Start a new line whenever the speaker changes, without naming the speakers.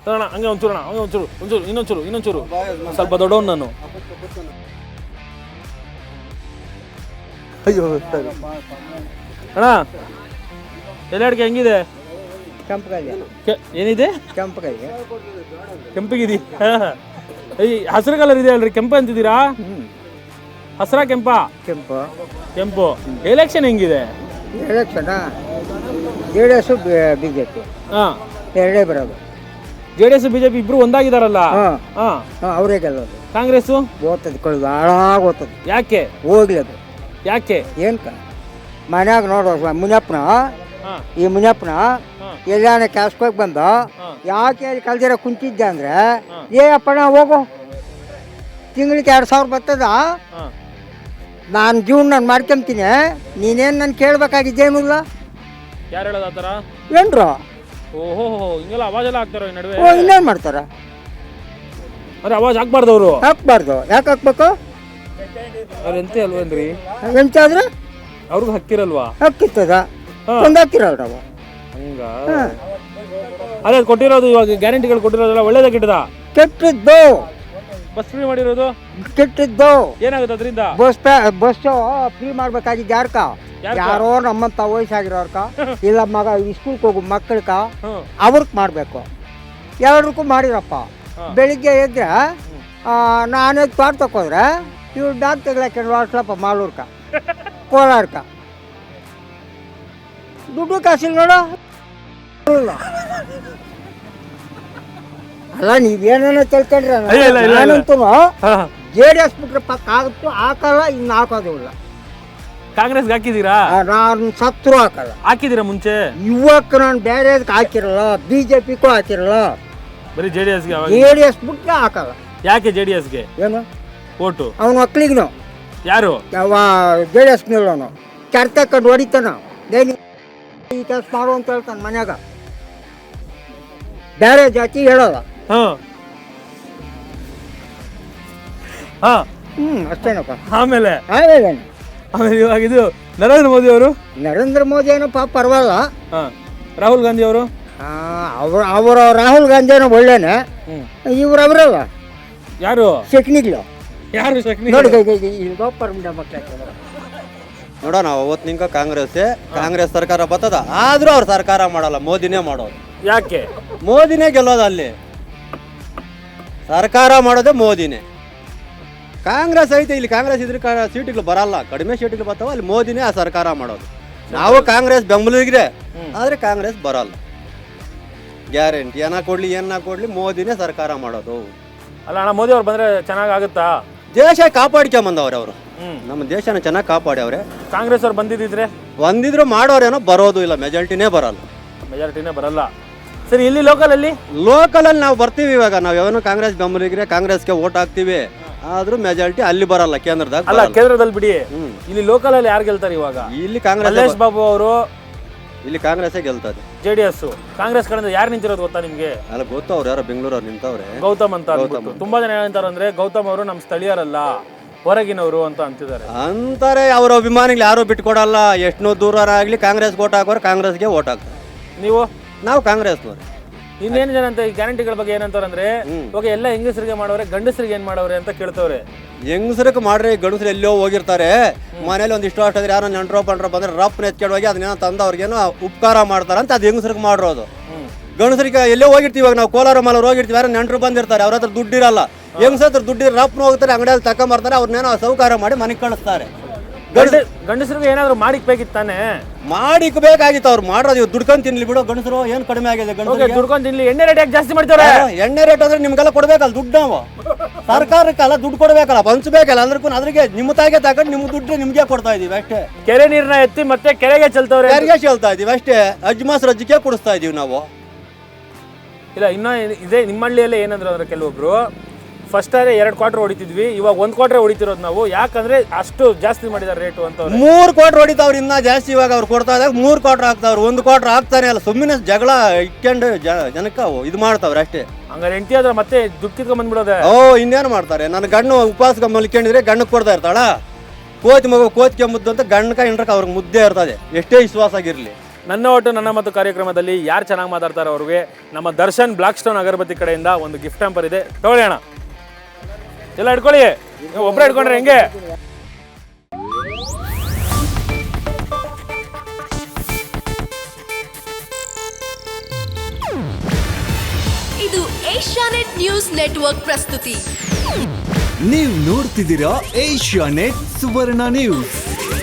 ಅಣ್ಣ ಹಂಗೆ ಒಂಚೂರು ಅಣ್ಣ ಹಂಗೆ ಇನ್ನೊಂಚೂರು ಸ್ವಲ್ಪ ದೊಡ್ಡವನು ನಾನು. ಅಯ್ಯೋ ಅಣ್ಣ ಎಲೆ ಅಡಿಕೆ ಹೆಂಗಿದೆ? ಏನಿದೆ? ಕೆಂಪಗಿದೆ. ಈ ಹಸಿರು ಕಲರ್ ಇದೆ ಅಲ್ರಿ, ಕೆಂಪು ಅಂತಿದ್ದೀರಾ? ಹಸಿರ ಕೆಂಪು. ಎಲೆಕ್ಷನ್ ಹೆಂಗಿದೆ?
JDS ಬಿಜೆಪಿ ಎರಡೇ ಬರೋದು.
JDS ಬಿಜೆಪಿ ಇಬ್ರು ಒಂದಾಗಿದಾರಲ್ಲ,
ಅವರೇ ಗೆಲ್ಲೋದು.
ಕಾಂಗ್ರೆಸ್
ಓದ್ತದೆ ಕಳೆದು ಹಾಳಾಗಿ ಓದ್ತದೆ.
ಯಾಕೆ
ಹೋಗ್ಲಿ ಅದು
ಯಾಕೆ?
ಏನ್ಕ ಮನ್ಯಾಗ ನೋಡೋ ಮುನಿಯಪ್ಪನ ಎಲ್ಲಾನ ಕ್ಯಾಸ್ಕೋಗಿ ಬಂದ ಯಾಕೆ ಕಲ್ದಿರ ಕುಂತಿದ್ದೆ ಅಂದ್ರೆ ಅಪ್ಪಣ ಹೋಗು ತಿಂಗಳಿಗೆ 2000 ಬರ್ತದ, ನಾನು ಜೀವನ ನಾನು ಮಾಡ್ಕೊಂತೀನಿ, ನೀನೇನು ನಾನು ಕೇಳಬೇಕಾಗಿದ್ದೇನೂ ಇಲ್ಲ.
ಯಾರು ಹೇಳೋದು ಆ ಥರ?
ಏನ್ರು
ಓಹೋ ಹಿಂಗೆಲ್ಲ ಅವಾಜ್ ಎಲ್ಲ ಹಾಕ್ತಾರೋ ಈ ನಡುವೆ?
ಇನ್ನೇನು ಮಾಡ್ತಾರ?
ಅರೆ ಅವಾಜ್ ಹಾಕ್ಬಾರ್ದು ಅವರು.
ಹಾಕ್ಬಾರ್ದು. ಯಾಕೆ ಹಾಕ್ಬೇಕು?
ಅವ್ರು ಎಂತ ಅಲ್ವೇನ್ರಿ?
ಎಂತಾದ್ರೆ
ಅವ್ರಿಗೂ ಹಕ್ಕಿರಲ್ವಾ?
ಹಾಕಿರ್ತದ ಒಂದು ಹಾಕಿರಲ್ಲ ನಾವು
ಹಂಗ. ಅದೇ ಕೊಟ್ಟಿರೋದು ಇವಾಗ ಗ್ಯಾರಂಟಿಗಳು ಕೊಟ್ಟಿರೋದಲ್ಲ ಒಳ್ಳೇದ ಕೆಟ್ಟದ?
ಕೆಟ್ಟಿದ್ದು.
ಬಸ್ ಫ್ರೀ ಮಾಡಿರೋದು
ಕೆಟ್ಟಿದ್ದು.
ಏನಾಗುತ್ತೆ ಅದರಿಂದ?
ಬಸ್ ಫ್ರೀ ಮಾಡ್ಬೇಕಾಗಿದ್ದು ಯಾರ್ಕ? ಯಾರೋ ನಮ್ಮಂತ ವಯಸ್ಸಾಗಿರೋರ್ಕ ಇಲ್ಲ ಮಗ ಸ್ಕೂಲ್ಗೆ ಹೋಗು ಮಕ್ಕಳ್ಕ ಅವ್ರಕ್ ಮಾಡ್ಬೇಕು. ಎಲ್ರಿಗೂ ಮಾಡಿರಪ್ಪ. ಬೆಳಿಗ್ಗೆ ಎದ್ರೆ ನಾನೇ ತೋಟ ತಕೋದ್ರೆ ಇವ್ರು ಡಾಕ್ ತೆಗ್ಲಾಕ ವಾಟ್ಸಪ್ಪ ಮಾಲೂರ್ಕ ಕೋಲಾರ್ಕ ದುಡ್ಡು ಕಾಸಿಲ್ಲ ನೋಡು. ಅಲ್ಲ ನೀವೇನ ತಿಳ್ಕೊಂಡ್ರೆ ನಾನಂತೂ JDS ಬಿಟ್ರೆ ಪಕ್ಕ ಆಗುತ್ತೋ ಹಾಕಲ್ಲ, ಇನ್ನು ಹಾಕೋದಿಲ್ಲ.
ಕಾಂಗ್ರೆಸ್ಗೆ ಹಾಕಿದೀರಾ?
ನಾನು ಸತ್ರು ಹಾಕಲ್ಲ.
ಹಾಕಿದೀರಾ ಮುಂಚೆ?
ಇವಾಗ ನಾನು ಬೇರೆ ಹಾಕಿರಲ್ಲ, ಬಿಜೆಪಿಗೂ ಹಾಕಿರಲ್ಲ,
ಬರೀ JDS ಗೆ.
JDS ಬಿಟ್ರೆ ಹಾಕಲ್ಲ.
ಯಾಕೆ JDS ಗೆ?
ಏನು
ಓಟು
ಅವನ ಮಕ್ಳಿಗೂ
ಯಾರು
ಯಾವ JDS ನಿಲ್ಲೋನು ಕೆರ್ತಕೊಂಡು ಹೊಡಿತಾನ, ಈ ಕೆಲಸ ಮಾಡು ಅಂತ ಹೇಳ್ತಾನೆ ಮನ್ಯಾಗ. ಬೇರೆ ಜಾತಿ ಹೇಳಲ್ಲ. ಅಷ್ಟೇನಪ್ಪ.
ಆಮೇಲೆ ಇವಾಗ ಇದು ನರೇಂದ್ರ ಮೋದಿ ಅವರು
ಏನಪ್ಪ ಪರವಾಗಿಲ್ಲ.
ರಾಹುಲ್ ಗಾಂಧಿ ಅವರು
ಅವರು ರಾಹುಲ್ ಗಾಂಧಿನೂ ಒಳ್ಳೇನೆ. ಇವ್ರು ಅವರಲ್ಲ
ಯಾರು?
ಶೆಕ್ನಿಗ್ಲು.
ಯಾರು ಶೆಕ್ನಿ?
ನೋಡೋಣ ಅವತ್ತು ನಿಂಕ ಕಾಂಗ್ರೆಸ್ ಸರ್ಕಾರ ಬರ್ತದ, ಆದ್ರೂ ಅವ್ರು ಸರ್ಕಾರ ಮಾಡಲ್ಲ, ಮೋದಿನೇ ಮಾಡೋದು.
ಯಾಕೆ?
ಮೋದಿನೇ ಗೆಲ್ಲೋದು. ಅಲ್ಲಿ ಸರ್ಕಾರ ಮಾಡೋದೇ ಮೋದಿನೇ. ಕಾಂಗ್ರೆಸ್ ಐತೆ, ಇಲ್ಲಿ ಕಾಂಗ್ರೆಸ್ ಇದ್ರೆ ಸೀಟ್ಗಳು ಬರಲ್ಲ, ಕಡಿಮೆ ಸೀಟ್ಗಳು ಬರ್ತಾವ. ಅಲ್ಲಿ ಮೋದಿನೇ ಆ ಸರ್ಕಾರ ಮಾಡೋದು. ನಾವು ಕಾಂಗ್ರೆಸ್ ಬೆಂಬಲಿಗ್ರೆ, ಆದ್ರೆ ಕಾಂಗ್ರೆಸ್ ಬರಲ್ಲ. ಗ್ಯಾರಂಟಿ ಏನ ಕೊಡ್ಲಿ ಮೋದಿನೇ ಸರ್ಕಾರ ಮಾಡೋದು.
ಅಲ್ಲ ಅಣ್ಣ, ಮೋದಿ ಅವ್ರು ಬಂದ್ರೆ ಚೆನ್ನಾಗಾಗುತ್ತಾ?
ದೇಶ ಕಾಪಾಡ್ಕೊಂಬಂದವ್ರೆ ಅವರು, ನಮ್ಮ ದೇಶನ ಚೆನ್ನಾಗಿ ಕಾಪಾಡ್ಯವ್ರೆ.
ಕಾಂಗ್ರೆಸ್ ಅವ್ರು ಬಂದಿದ್ರು
ಮಾಡೋರೇನೋ, ಬರೋದು ಇಲ್ಲ, ಮೆಜಾರಿಟಿನೇ
ಬರಲ್ಲ. ಸರಿ, ಇಲ್ಲಿ ಲೋಕಲ್
ಅಲ್ಲಿ ನಾವು ಬರ್ತೀವಿ. ಇವಾಗ ನಾವು ಯಾವನು ಕಾಂಗ್ರೆಸ್ ಬೆಂಬಲಿಗ್ರೆ ಕಾಂಗ್ರೆಸ್ಗೆ ಓಟ್ ಹಾಕ್ತಿವಿ, ಆದ್ರೂ ಮೆಜಾರಿಟಿ ಅಲ್ಲಿ ಬರಲ್ಲ, ಕೇಂದ್ರದಾಗ.
ಅಲ್ಲ, ಕೇಂದ್ರದಲ್ಲಿ ಬಿಡಿ, ಇಲ್ಲಿ ಲೋಕಲ್ ಅಲ್ಲಿ ಯಾರು ಗೆಲ್ತಾರೆ ಇವಾಗ?
ಇಲ್ಲಿ ಕಾಂಗ್ರೆಸ್.
ಮಲ್ಲೇಶ್ ಬಾಬು ಅವರು.
ಇಲ್ಲಿ ಕಾಂಗ್ರೆಸ್ ಗೆಲ್ತದೆ.
JDS ಕಾಂಗ್ರೆಸ್ ಕಡೆಯಿಂದ ಯಾರು ನಿಂತಿರೋದು ಗೊತ್ತಾ ನಿಮ್ಗೆ?
ಅಲ್ಲ, ಗೊತ್ತು. ಅವ್ರು ಯಾರೋ ಬೆಂಗಳೂರವ್ರು ನಿಂತವ್ರೆ,
ಗೌತಮ್ ಅಂತ. ತುಂಬಾ ಜನ ಏನಂತಾರೆ ಅಂದ್ರೆ, ಗೌತಮ್ ಅವರು ನಮ್ಮ ಸ್ಥಳೀಯರಲ್ಲ, ಹೊರಗಿನವರು ಅಂತ ಅಂತಾರೆ.
ಅವ್ರ ಅಭಿಮಾನಿಗಳು ಯಾರು ಬಿಟ್ಕೊಡಲ್ಲ. ಎಷ್ಟೋ ದೂರ ಆಗ್ಲಿ ಕಾಂಗ್ರೆಸ್ ಓಟ್ ಹಾಕೋರು ಕಾಂಗ್ರೆಸ್ಗೆ ಓಟ್ ಹಾಕ್ತಾರೆ. ನಾವು ಕಾಂಗ್ರೆಸ್ನವ್ರು.
ಇನ್ನೇನು ಜನ ಅಂತ ಈ ಗ್ಯಾರಂಟಿಗಳ ಬಗ್ಗೆ ಏನಂತಾರೆ ಅಂದ್ರೆ, ಇವಾಗ ಎಲ್ಲ ಹೆಂಗಸರಿಗೆ ಮಾಡೋರೆ, ಗಂಡಸರಿಗೆ ಏನ್ ಮಾಡೋರೆ ಅಂತ ಕೇಳ್ತವ್ರೆ.
ಹೆಂಗಸರಿಗೆ ಮಾಡ್ರಿ, ಗಂಡಸರು ಎಲ್ಲೋ ಹೋಗಿರ್ತಾರೆ, ಮನೇಲಿ ಒಂದಿಷ್ಟು ಅಷ್ಟಾದ್ರೆ ಯಾರೋ ನೆಂಟ್ರೋ ಪಂಡ್ರೋ ಬಂದ್ರೆ ರಪ್ನ ಎತ್ಕೊಂಡೋಗಿ ಅದನ್ನೇನೋ ತಂದು ಅವ್ರಿಗೇನೋ ಉಪಕಾರ ಮಾಡ್ತಾರ ಅಂತ ಅದು ಹೆಂಗಸರಿಗೆ ಮಾಡಿರೋದು. ಗಂಡಸರಿಗೆ ಎಲ್ಲೋ ಹೋಗಿರ್ತೀವಿ, ಇವಾಗ ನಾವು ಕೋಲಾರ ಮಾಲೂರು ಹೋಗಿರ್ತೀವಿ, ಯಾರೋ ನೆಂಟರು ಬಂದಿರ್ತಾರೆ, ಅವ್ರ ಹತ್ರ ದುಡ್ಡಿರಲ್ಲ. ಹೆಂಗಸ ಹತ್ರ ದುಡ್ಡಿರ ರಪ್ನ ಹೋಗ್ತಾರೆ, ಅಂಗಡಿಯಲ್ಲಿ ತಕೊಂಬರ್ತಾರೆ, ಅವ್ರನ್ನೇನೋ ಸೌಕಾರ ಮಾಡಿ ಮನೆಗೆ ಕಳಿಸ್ತಾರೆ.
ಗಂಡಸರಿಗೆ ಏನಾದ್ರು ಮಾಡಿಕ್ಬೇಕಿತ್ತಾನೆ?
ಮಾಡಿಕ್ಬೇಕಾಗಿತ್ತು. ಅವ್ರು ಮಾಡೋದು ಇವ್ ದುಡ್ಕೊಂಡ್ ತಿನ್ಲಿ ಬಿಡು. ಗಂಡಸರು ಏನ್ ಕಡಿಮೆ ಆಗಿದೆ?
ದುಡ್ಕೊಂಡ್ ತಿನ್ಲಿ. ಎಣ್ಣೆ ರೇಟ್ ಯಾಕೆ ಜಾಸ್ತಿ ಮಾಡ್ತಾರೆ?
ಎಣ್ಣೆ ರೇಟ್ ಆದ್ರೆ ನಿಮ್ಗೆಲ್ಲ ಕೊಡ್ಬೇಕಲ್ಲ ದುಡ್ಡು. ನಾವು ಸರ್ಕಾರಕ್ಕೆಲ್ಲ ದುಡ್ಡು ಕೊಡ್ಬೇಕಲ್ಲ, ಹಂಚ್ಬೇಕಲ್ಲ. ಅದ್ರಿಗೆ ನಿಮ್ಮ ತಾಯಿಗೆ ತಗೊಂಡು ನಿಮ್ಗೆ ದುಡ್ಡು ನಿಮ್ಗೆ ಕೊಡ್ತಾ ಇದೀವಿ ಅಷ್ಟೇ.
ಕೆರೆ ನೀರ್ನ ಎತ್ತಿ ಮತ್ತೆ ಕೆರೆಗೆ ಚೆಲ್ತವ್ರೆ.
ಕೆರೆಗೆ ಚೆಲ್ತಾ ಇದೀವಿ ಅಷ್ಟೇ. ಅಜ್ಮಾಸ್ ರಜ್ಜಿಗೆ ಕುಡಿಸ್ತಾ ಇದೀವಿ ನಾವು.
ಇಲ್ಲ, ಇನ್ನ ಇದೇ ನಿಮ್ಮ ಹಳ್ಳಿಯಲ್ಲೇ ಏನಂದ್ರೆ ಅಂದ್ರೆ, ಕೆಲವೊಬ್ರು ಫಸ್ಟ್ 2 ಕ್ವಾರ್ಟರ್ ಹೊಡಿತಿದ್ವಿ, ಇವಾಗ 1 ಕ್ವಾರ್ಟರ್ ಹೊಡಿತಿರೋದು ನಾವು. ಯಾಕಂದ್ರೆ ಅಷ್ಟು ಜಾಸ್ತಿ ಮಾಡಿದಾರೆ ರೇಟು ಅಂತ.
3 ಕ್ವಾರ್ಟರ್ ಹೊಡಿತಾವ್ರು ಇನ್ನ ಜಾಸ್ತಿ. ಇವಾಗ ಅವ್ರು ಕೊಡ್ತಾ ಇದ್ದಾಗ 3 ಕ್ವಾರ್ಟರ್ ಹಾಕ್ತಾವ್ರು, 1 ಕ್ವಾರ್ಟರ್ ಹಾಕ್ತಾನೆ ಅಲ್ಲ. ಸುಮ್ಮನೆ ಜಗಳ ಇಟ್ಕೊಂಡು ಜನಕ್ಕೆ ಇದು ಮಾಡ್ತಾವ್ರೆ ಅಷ್ಟೇ.
ಹಂಗಾರೆ ಹೆಂಡತಿ ಆದ್ರೆ ಮತ್ತೆ ದುಡ್ಡು ಕಿತ್ಕೊಂಡ್ ಬಂದ್ಬಿಡೋದೆ.
ಇನ್ನೇನು ಮಾಡ್ತಾರೆ? ನನ್ನ ಗಣ್ಣು ಉಪವಾಸ ಮಲ್ಕೊಂಡಿದ್ರೆ ಗಣ್ಣಕ್ಕೆ ಕೊಡ್ತಾ ಇರ್ತಾಳ. ಕೋತಿ ಮಗು ಕೋತಿಗೆ ಮುದ್ದು ಅಂತ ಗಣ್ಣಕ ಹಿಂಡ್ರಕ್ಕೆ ಅವ್ರಿಗೆ ಮುದ್ದೆ ಇರ್ತದೆ, ಎಷ್ಟೇ ವಿಶ್ವಾಸ ಆಗಿರ್ಲಿ.
ನನ್ನ ಒಟ್ಟು ನನ್ನ ಮತ್ತು ಕಾರ್ಯಕ್ರಮದಲ್ಲಿ ಯಾರು ಚೆನ್ನಾಗಿ ಮಾತಾಡ್ತಾರೋ ಅವ್ರಿಗೆ ನಮ್ಮ ದರ್ಶನ್ ಬ್ಲಾಕ್ ಸ್ಟೋನ್ ಅಗರಬತ್ತಿ ಕಡೆಯಿಂದ ಒಂದು ಗಿಫ್ಟ್ ಹ್ಯಾಂಪರ್ ಇದೆ, ತಗೊಳ್ಳಿ ಅಣ್ಣ. ಎಲ್ಲ ಇಟ್ಕೊಳ್ಳಿ, ಒಬ್ಬರೇ ಇಟ್ಕೊಂಡ್ರೆ ಹೆಂಗೆ?
ಇದು ಏಷ್ಯಾನೆಟ್ ನ್ಯೂಸ್ ನೆಟ್ವರ್ಕ್ ಪ್ರಸ್ತುತಿ.
ನೀವು ನೋಡ್ತಿದ್ದೀರಾ ಏಷ್ಯಾನೆಟ್ ಸುವರ್ಣ ನ್ಯೂಸ್.